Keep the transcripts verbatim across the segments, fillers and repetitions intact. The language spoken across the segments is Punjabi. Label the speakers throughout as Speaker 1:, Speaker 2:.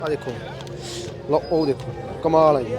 Speaker 1: ਆ ਦੇਖੋ ਲਓ ਉਹ ਦੇਖੋ ਕਮਾਲ ਹੈ ਜੀ।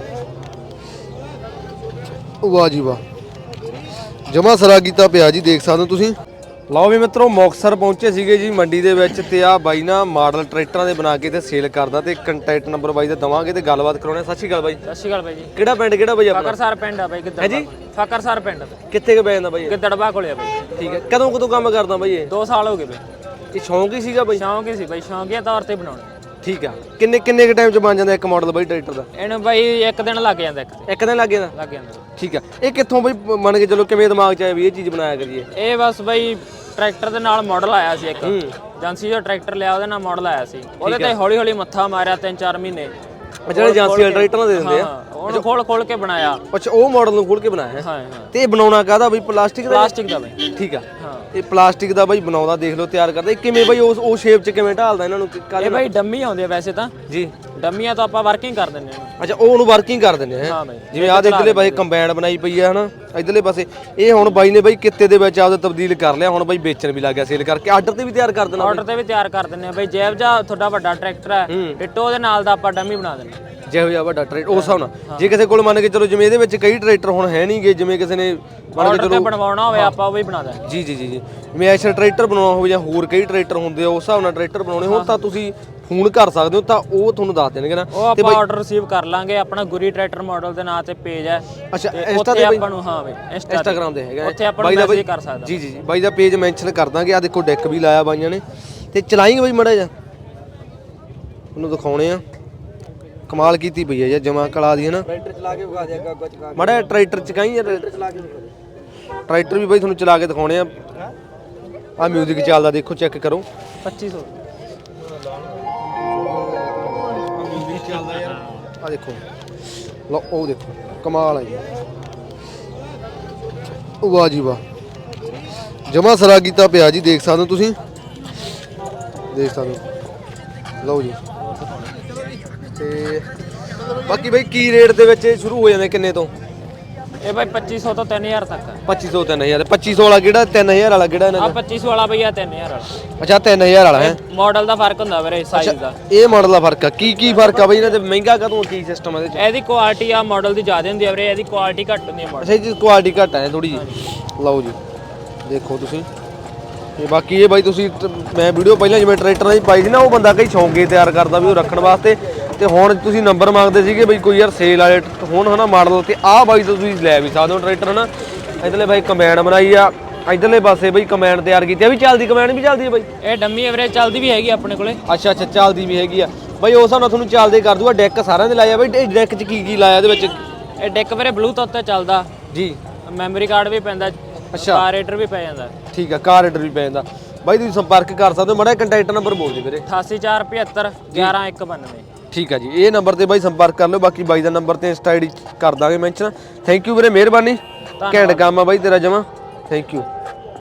Speaker 1: ਵਾਹ ਜੀ ਵਾਹ ਜਮਾ ਸਰਾ ਕੀਤਾ ਪਿਆ ਜੀ, ਦੇਖ ਸਕਦੇ ਹੋ ਤੁਸੀਂ। ਲਓ ਵੀ ਮਿੱਤਰੋ ਮੁਕਤਸਰ ਪਹੁੰਚੇ ਸੀਗੇ ਜੀ ਮੰਡੀ ਦੇ ਵਿੱਚ, ਤੇ ਆ ਬਾਈ ਨਾ ਮਾਡਲ ਟਰੈਕਟਰਾਂ ਦੇ ਬਣਾ ਕੇ ਤੇ ਸੇਲ ਕਰਦਾ, ਤੇ ਕੰਟੈਕਟ ਨੰਬਰ ਬਾਈ ਦਾ ਦਵਾਂਗੇ ਤੇ ਗੱਲਬਾਤ ਕਰਾਉਣੇ। ਸਤਿ ਸ਼੍ਰੀ ਅਕਾਲ ਬਾਈ।
Speaker 2: ਸਤਿ ਸ਼੍ਰੀ ਅਕਾਲ ਬਾਈ ਜੀ।
Speaker 1: ਕਿਹੜਾ ਪਿੰਡ ਕਿਹੜਾ ਬਾਈ ਆਪਣਾ?
Speaker 2: ਫਕਰਸਰ ਪਿੰਡ ਆ ਬਾਈ। ਕਿੱਧਰ
Speaker 1: ਜੀ
Speaker 2: ਫਕਰਸਰ ਪਿੰਡ
Speaker 1: ਕਿੱਥੇ ਕੁ ਪੈ ਜਾਂਦਾ ਬਾਈ?
Speaker 2: ਗਿੱਦੜਵਾ ਕੋਲੇ ਆ ਬਾਈ।
Speaker 1: ਠੀਕ ਹੈ, ਕਦੋਂ ਕਦੋਂ ਕੰਮ ਕਰਦਾ ਬਾਈ ਇਹ?
Speaker 2: ਦੋ ਸਾਲ ਹੋ ਗਏ ਬਾਈ।
Speaker 1: ਇਹ ਸ਼ੌਂਕ ਹੀ ਸੀਗਾ ਬਾਈ?
Speaker 2: ਸ਼ੌਂਕ ਹੀ ਸੀ ਬਾਈ, ਸ਼ੌਂਕੀਆ ਤੌਰ ਤੇ ਬਣਾਉਣੇ।
Speaker 1: ਠੀਕ ਆ, ਕਿੰਨੇ ਕਿੰਨੇ ਕ ਟਾਈਮ ਚ ਬਣ ਜਾਂਦਾ ਇੱਕ ਮਾਡਲ ਬਾਈ ਟਰੈਕਟਰ ਦਾ?
Speaker 2: ਇਹਨੂੰ ਬਾਈ ਇੱਕ ਦਿਨ ਲੱਗ ਜਾਂਦਾ। ਇੱਕ
Speaker 1: ਇੱਕ ਦਿਨ ਲੱਗ ਜਾਂਦਾ?
Speaker 2: ਲੱਗ ਜਾਂਦਾ।
Speaker 1: ਠੀਕ ਆ, ਇਹ ਕਿੱਥੋਂ ਬਾਈ ਮੰਨ ਕੇ ਚਲੋ ਕਿਵੇਂ ਦਿਮਾਗ ਚ ਆਇਆ ਵੀ ਇਹ ਚੀਜ਼ ਬਣਾਇਆ ਕਰੀਏ?
Speaker 2: ਇਹ ਬਸ ਬਾਈ ਟਰੈਕਟਰ ਦੇ ਨਾਲ ਮਾਡਲ ਆਇਆ ਸੀ ਇੱਕ, ਏਜੰਸੀ ਜੋ ਟਰੈਕਟਰ ਲਿਆ ਉਹਦੇ ਨਾਲ ਮਾਡਲ ਆਇਆ ਸੀ, ਉਹਦੇ ਤੇ ਹੌਲੀ ਹੌਲੀ ਮੱਥਾ ਮਾਰਿਆ ਤਿੰਨ ਚਾਰ ਮਹੀਨੇ।
Speaker 1: ਜਿਹੜੇ ਏਜੰਸੀ ਵਾਲੇ ਟਰੈਕਟਰਾਂ ਦੇ ਦਿੰਦੇ ਆ,
Speaker 2: ਉਹਨੂੰ ਖੋਲ ਖੋਲ ਕੇ ਬਣਾਇਆ।
Speaker 1: ਅੱਛਾ, ਉਹ ਮਾਡਲ ਨੂੰ ਖੋਲ ਕੇ ਬਣਾਇਆ।
Speaker 2: ਹਾਂ ਹਾਂ।
Speaker 1: ਤੇ ਇਹ ਬਣਾਉਣਾ ਕਾਹਦਾ ਬਾਈ? ਪਲਾਸਟਿਕ ਦਾ?
Speaker 2: ਪਲਾਸਟਿਕ ਦਾ ਬਾਈ।
Speaker 1: ਠੀਕ ਆ,
Speaker 2: ਹਾਂ। ਇਹ
Speaker 1: ਪਲਾਸਟਿਕ ਦਾ ਬਾਈ ਬਣਾਉਂਦਾ, ਦੇਖ ਲਓ ਤਿਆਰ ਕਰਦਾ। ਇਹ ਕਿਵੇਂ ਬਾਈ ਉਸ ਉਹ ਸ਼ੇਪ ਚ ਕਿਵੇਂ ਢਾਲਦਾ ਇਹਨਾਂ ਨੂੰ?
Speaker 2: ਇਹ ਬਾਈ ਡੰਮੀ ਆਉਂਦੇ ਆ ਵੈਸੇ ਤਾਂ
Speaker 1: ਜੀ,
Speaker 2: ਡੰਮੀਆਂ ਤਾਂ ਆਪਾਂ ਵਰਕਿੰਗ ਕਰ ਦਿੰਦੇ ਹਾਂ।
Speaker 1: ਅੱਛਾ, ਉਹ ਉਹਨੂੰ ਵਰਕਿੰਗ ਕਰ ਦਿੰਦੇ ਆ।
Speaker 2: ਹਾਂ ਬਾਈ,
Speaker 1: ਜਿਵੇਂ ਆਹ ਇਧਰਲੇ ਬਾਈ ਕੰਬਾਈਨ ਬਣਾਈ ਪਈ ਆ ਹਨਾ, ਇਧਰਲੇ ਪਾਸੇ ਇਹ ਹੁਣ ਬਾਈ ਨੇ ਬਾਈ ਕਿੱਤੇ ਦੇ ਵਿੱਚ ਆਪਦਾ ਤਬਦੀਲ ਕਰ ਲਿਆ, ਹੁਣ ਬਾਈ ਵੇਚਣ ਵੀ ਲੱਗ ਗਿਆ, ਸੇਲ ਕਰਕੇ। ਆਰਡਰ ਤੇ ਵੀ ਤਿਆਰ ਕਰ ਦੇਣਾ?
Speaker 2: ਆਰਡਰ ਤੇ ਵੀ ਤਿਆਰ ਕਰ ਦਿੰਦੇ ਆ ਬਾਈ। ਜੈਵ ਜਾ ਤੁਹਾਡਾ ਵੱਡਾ ਟਰੈਕਟਰ ਹੈ, ਡਿਟੋ ਦੇ ਨਾਲ ਦਾ ਆਪਾਂ ਡੰਮੀ ਬਣਾ ਦਿੰਦੇ।
Speaker 1: ਜਿਹੋ ਜਿਹਾ ਵੱਡਾ ਟਰੈਕਟਰ ਉਸ ਹਿਸਾਬ ਨਾਲ। ਜੇ ਕਿਸੇ ਕੋਲ ਮੰਨ ਕੇ ਚਲੋ ਜਿਵੇਂ ਇਹਦੇ ਵਿੱਚ ਕਈ ਟਰੈਕਟਰ ਹੁਣ ਹੈ ਨਹੀਂਗੇ, ਜਿਵੇਂ ਕਿਸੇ ਨੇ ਮੰਨ ਕੇ ਚਲੋ
Speaker 2: ਬਣਵਾਉਣਾ ਹੋਵੇ ਆਪਾਂ ਉਹ ਵੀ ਬਣਾ ਦਿੰਦੇ।
Speaker 1: ਜੀ ਜੀ ਜੀ ਜੀ ਜਿਵੇਂ ਐਸ਼ਰ ਟਰੈਕਟਰ ਬਣਾਉਣਾ ਹੋਵੇ ਜਾਂ ਹੋਰ ਕਈ ਟਰੈਕਟਰ ਹੁੰਦੇ ਆ, ਉਸ ਹਿਸਾਬ ਨਾਲ ਟਰੈਕਟਰ ਬਣਾਉਣੇ ਹੋਣ ਤਾਂ ਤੁਸੀਂ ਫੋਨ ਕਰ ਸਕਦੇ ਹੋ, ਤਾਂ ਉਹ ਤੁਹਾਨੂੰ ਦੱਸ ਦੇਣਗੇ ਨਾ।
Speaker 2: ਉਹ ਆਪਾਂ ਆਰਡਰ ਰਿਸੀਵ ਕਰ ਲਾਂਗੇ। ਆਪਣਾ ਗੁਰੀ ਟਰੈਕਟਰ ਮਾਡਲ ਦੇ ਨਾਂ ਤੇ ਪੇਜ ਹੈ।
Speaker 1: ਅੱਛਾ, ਇੰਸਟਾ ਤੇ
Speaker 2: ਆਪਾਂ ਨੂੰ? ਹਾਂ ਬਾਈ,
Speaker 1: ਇੰਸਟਾਗ੍ਰਾਮ ਤੇ ਹੈਗਾ,
Speaker 2: ਉੱਥੇ ਆਪਾਂ ਨੂੰ ਮੈਸੇਜ ਕਰ ਸਕਦਾ।
Speaker 1: ਜੀ ਜੀ ਜੀ ਬਾਈ ਦਾ ਪੇਜ ਮੈਂਸ਼ਨ ਕਰ ਦਾਂਗੇ। ਆ ਦੇਖੋ ਡੈਕ ਵੀ ਲਾਇਆ ਬਾਈਆਂ ਨੇ, ਤੇ ਚਲਾਏਂਗੇ ਬਾਈ ਮੜਾ ਜਾ ਉਹਨੂੰ ਦਿਖਾਉਣੇ ਆ। ਕਮਾਲ ਕੀਤੀ ਪਈ ਹੈ ਯਾਰ, ਜਮਾ ਕਲਾ ਦੀ ਹੈ ਨਾ। ਟਰੈਕਟਰ ਚਲਾ ਕੇ ਵਿਖਾ ਦੇ ਅੱਗਾ ਅੱਗਾ ਚਕਾ ਮੜਾ ਟਰੈਕਟਰ ਚਕਾਈ ਯਾਰ। ਟਰੈਕਟਰ ਚਲਾ ਕੇ ਟਰੈਕਟਰ ਵੀ ਬਾਈ ਤੁਹਾਨੂੰ ਚਲਾ ਕੇ ਦਿਖਾਉਣੇ ਆ। ਆ ਮਿਊਜ਼ਿਕ ਚੱਲਦਾ, ਦੇਖੋ ਚੈੱਕ ਕਰੋ।
Speaker 2: ਪੱਚੀ ਸੌ
Speaker 1: ਮਿਊਜ਼ਿਕ ਚੱਲਦਾ ਯਾਰ, ਆ ਦੇਖੋ ਲਓ ਉਹ ਦੇਖੋ ਕਮਾਲ ਹੈ ਜੀ। ਵਾਹ ਜੀ ਵਾਹ ਜਮਾ ਸਰਾ ਕੀਤਾ ਪਿਆ ਜੀ, ਦੇਖ ਸਕਦੇ ਹੋ ਤੁਸੀਂ, ਦੇਖ ਸਕਦੇ ਹੋ। ਲਓ ਜੀ, ਤੇ ਬਾਕੀ ਬਾਈ ਕੀ ਰੇਟ ਦੇ ਵਿੱਚ ਸ਼ੁਰੂ ਹੋ ਜਾਂਦੇ ਕਿੰਨੇ ਤੋਂ?
Speaker 2: ਇਹ ਬਾਈ ਪੱਚੀ ਸੌ ਤੋਂ ਤਿੰਨ ਹਜ਼ਾਰ ਤੱਕ।
Speaker 1: ਪੱਚੀ ਸੌ ਤਿੰਨ ਹਜ਼ਾਰ? ਪੱਚੀ ਸੌ ਵਾਲਾ ਕਿਹੜਾ? ਤਿੰਨ ਹਜ਼ਾਰ ਵਾਲਾ ਕਿਹੜਾ ਇਹਨਾਂ
Speaker 2: ਆ
Speaker 1: ਦਾ?
Speaker 2: ਪੱਚੀ ਸੌ ਵਾਲਾ ਬਈ ਆ ਤਿੰਨ ਹਜ਼ਾਰ ਵਾਲਾ।
Speaker 1: ਅੱਛਾ, ਤਿੰਨ ਹਜ਼ਾਰ ਵਾਲਾ ਹੈ।
Speaker 2: ਮਾਡਲ ਦਾ ਫਰਕ ਹੁੰਦਾ ਵੀਰੇ, ਸਾਈਜ਼ ਦਾ।
Speaker 1: ਇਹ ਮਾਡਲ ਦਾ ਫਰਕ ਆ? ਕੀ ਕੀ ਫਰਕ ਆ ਬਾਈ ਇਹਨਾਂ ਦੇ? ਮਹਿੰਗਾ ਕਦੋਂ? ਕੀ ਸਿਸਟਮ ਇਹਦੇ ਚ?
Speaker 2: ਇਹਦੀ ਕੁਆਲਿਟੀ ਆ ਮਾਡਲ ਦੀ ਜ਼ਿਆਦਾ ਹੁੰਦੀ ਆ ਵੀਰੇ, ਇਹਦੀ ਕੁਆਲਿਟੀ ਘੱਟ ਹੁੰਦੀ ਆ ਮਾਡਲ।
Speaker 1: ਅੱਛਾ ਜੀ, ਕੁਆਲਿਟੀ ਘੱਟ ਹੈ ਥੋੜੀ ਜੀ। ਲਓ ਜੀ ਦੇਖੋ ਤੁਸੀਂ, ਤੇ ਬਾਕੀ ਇਹ ਬਾਈ ਤੁਸੀਂ ਮੈਂ ਵੀਡੀਓ ਪਹਿਲਾਂ ਜਿਵੇਂ ਟਰੈਕਟਰਾਂ ਦੀ ਪਾਈ ਸੀ ਨਾ, ਉਹ ਬੰਦਾ ਕਈ ਸ਼ੌਂਕੇ ਤਿਆਰ ਕਰਦਾ ਵੀ ਉਹ ਰੱਖਣ ਵਾਸਤੇ, ਤੇ ਹੁਣ ਤੁਸੀਂ ਨੰਬਰ ਮੰਗਦੇ ਸੀਗੇ ਬਈ ਕੋਈ ਯਾਰ ਸੇਲ ਵਾਲੇ ਹੁਣ ਹਨਾ ਮਾਡਲ, ਤੇ ਆਹ ਬਾਈ ਤੋਂ ਤੁਸੀਂ ਲੈ ਵੀ ਸਕਦੇ ਹੋ ਟਰੈਕਟਰ ਹਨਾ। ਇਧਰਲੇ ਬਾਈ ਕੰਬਾਈਨ ਬਣਾਈ ਆ, ਇਧਰਲੇ ਪਾਸੇ ਬਈ ਕੰਬਾਈਨ ਤਿਆਰ ਕੀਤੀ ਆ। ਵੀ ਚੱਲਦੀ ਕੰਬਾਈਨ ਵੀ ਚੱਲਦੀ ਹੈ ਬਾਈ?
Speaker 2: ਇਹ ਡੰਮੀ ਐਵਰੇਜ ਚੱਲਦੀ ਵੀ ਹੈਗੀ ਆਪਣੇ ਕੋਲੇ।
Speaker 1: ਅੱਛਾ ਅੱਛਾ, ਚੱਲਦੀ ਵੀ ਹੈਗੀ ਆ ਬਾਈ। ਉਸ ਹਿਸਾਬ ਨਾਲ ਤੁਹਾਨੂੰ ਚੱਲਦੇ ਕਰ ਦੂਗਾ। ਡੈਕ ਸਾਰਿਆਂ ਦੇ ਲਾਇਆ ਬਾਈ? ਇਹ ਡੈਕ 'ਚ ਕੀ ਕੀ ਲਾਇਆ ਇਹਦੇ ਵਿੱਚ?
Speaker 2: ਇਹ ਡੈਕ ਵੀਰੇ ਬਲੂਟੁੱਥ ਤੇ ਚੱਲਦਾ
Speaker 1: ਜੀ,
Speaker 2: ਮੈਮਰੀ ਕਾਰਡ ਵੀ ਪੈਂਦਾ।
Speaker 1: ਅੱਛਾ,
Speaker 2: ਕਾਰੇਟਰ ਵੀ ਪੈ ਜਾਂਦਾ।
Speaker 1: ਠੀਕ ਆ, ਕਾਰੇਟਰ ਵੀ ਪੈ ਜਾਂਦਾ ਬਾਈ। ਤੁਸੀਂ ਸੰਪਰਕ ਕਰ ਸਕਦੇ ਹੋ। ਮਾੜਾ ਕੰਟੈਕਟ ਨੰਬਰ ਬੋਲ ਦਿਓ ਵੀਰੇ।
Speaker 2: ਅਠਾਸੀ ਚਾਰ ਪਝੱਤਰ ਗਿਆਰਾਂ ਇੱਕ ਬਾਨਵੇਂ।
Speaker 1: ਠੀਕ ਆ ਜੀ, ਇਹ ਨੰਬਰ ਤੇ ਬਾਈ ਸੰਪਰਕ ਕਰ ਲਓ। ਬਾਕੀ ਬਾਈ ਦਾ ਨੰਬਰ ਤੇ ਇੰਸਟਾ ਆਈਡੀ ਕਰ ਦਾਂਗੇ ਮੈਂਸ਼ਨ। ਥੈਂਕ ਯੂ ਵੀਰੇ, ਮਿਹਰਬਾਨੀ। ਘੈਂਟ ਕੰਮ ਆ ਬਾਈ ਤੇਰਾ ਜਮਾ, ਥੈਂਕ ਯੂ।